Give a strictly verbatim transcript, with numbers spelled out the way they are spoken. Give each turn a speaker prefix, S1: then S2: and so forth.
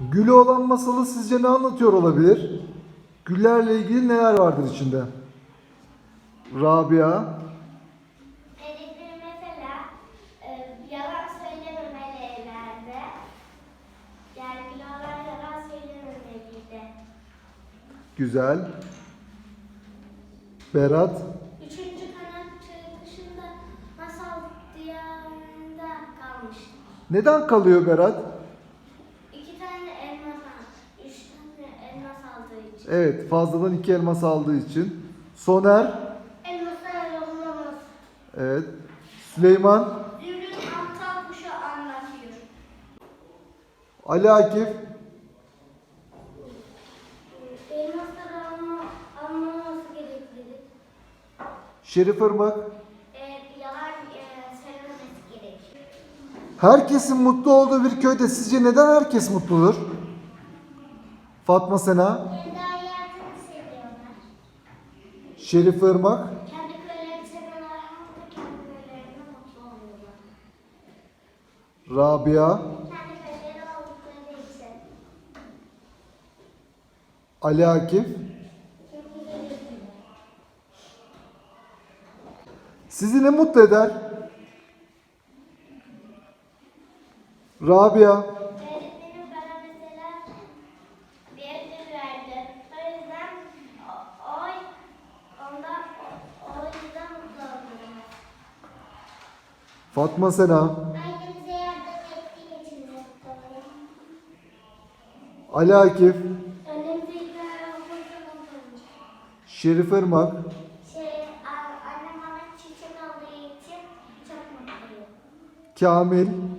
S1: Gülü olan masalı sizce ne anlatıyor olabilir? Güllerle ilgili neler vardır içinde? Rabia,
S2: Öğretmenim mesela e, yalan söylememeliydi. Yani bile olan yalan söylememeliydi.
S1: güzel. Berat,
S2: Üçüncü kanat dışında masal diyarında kalmış.
S1: neden kalıyor Berat?
S2: İki tane elmas aldı. Üç tane elmas aldığı için.
S1: Evet, fazladan iki elmas aldığı için. Soner,
S2: Elmaslar yollamaz.
S1: evet. Süleyman,
S2: Zümrüt aptal kuşu anlatıyor.
S1: Ali Akif,
S2: Elmasları alma, almaması gerekli.
S1: Şerif Irmak.
S2: E, yalan e, söylememesi gerekiyor.
S1: Herkesin mutlu olduğu bir köyde sizce neden herkes mutludur? Fatma Sena,
S2: Kendi hayatını seviyorlar.
S1: Şerif Irmak,
S2: Kendi köylerini seviyorlar ama da kendi köylerinde mutlu oluyorlar.
S1: Rabia,
S2: Kendi köyleri oldukları için.
S1: Ali Akif. Sizi ne mutlu eder? Rabia,
S2: Öğretmenim bana mesela bir ödül verdi. O yüzden o, o, ondan, o, o yüzden mutlu oluyorum.
S1: Fatma Sena,
S2: Ailemize yardım ettiği için mutlu oluyorum.
S1: Ali Akif,
S2: Önümüzde ilgiler olursa mutlu olurum.
S1: Şerif Irmak,
S2: Şey, a- annem bana çiçek aldığı için çok mutluyum.
S1: Kamil,